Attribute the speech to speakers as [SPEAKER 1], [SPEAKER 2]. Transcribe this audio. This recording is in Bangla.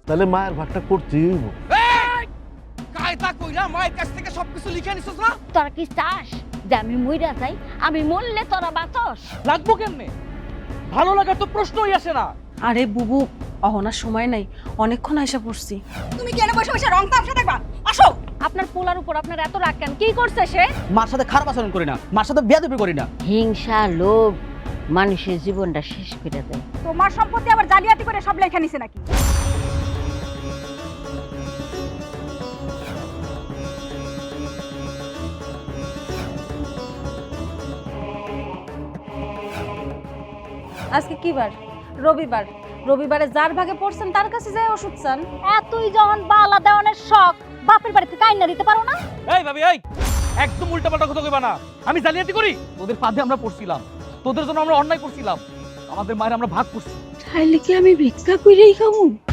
[SPEAKER 1] তাহলে মায়ের ভাগটা করতেই হইব।
[SPEAKER 2] কায়দা কইরা মায়ের কাছ থেকে সবকিছু লিখে নিছস না?
[SPEAKER 3] তোরা কি চাস যে আমি মইরা যাই? আমি মরলে তোরা বাঁচস?
[SPEAKER 2] লাগবো কেমনে? ভালো লাগার তো প্রশ্নই আসে না।
[SPEAKER 4] আরে বুবু, অহনার সময় নাই, অনেকক্ষণ আইসা পড়ছি।
[SPEAKER 5] তুমি কেন বসে বসে রং তামসা দেখবা? আসো।
[SPEAKER 3] আপনার পোলার উপর আপনার এত রাগ কেন? কি করছে সে?
[SPEAKER 2] মার সাথে খারাপ আচরণ করি না, মার সাথে বেয়াদবি করি না।
[SPEAKER 3] হিংসা, লোভ মানুষের জীবনটা শেষ করে দেয়।
[SPEAKER 5] তোমার সম্পত্তি আবার জালিয়াতি করে সব লেখা নিছে নাকি?
[SPEAKER 4] আজকে কি বার? রবিবার। রবিবারে যার ভাগে পড়ছেন তার কাছে যায় ওষুধ চান।
[SPEAKER 3] এতই যখন বালা দেওয়ানের শখ, বাপের বাড়িতে কাইন্না দিতে পারো না?
[SPEAKER 2] এই ভাবি, এই একদম উল্টাপাল্টা কথা কইবা না। আমি জালিয়াতি করি? তোদের ফাঁদে আমরা পড়ছিলাম, তোদের জন্য আমরা অন্যায় করছিলাম, আমাদের মায়ের আমরা ভাগ করছি।
[SPEAKER 4] তাইলে কি আমি ভিক্ষা কইরেই খামু?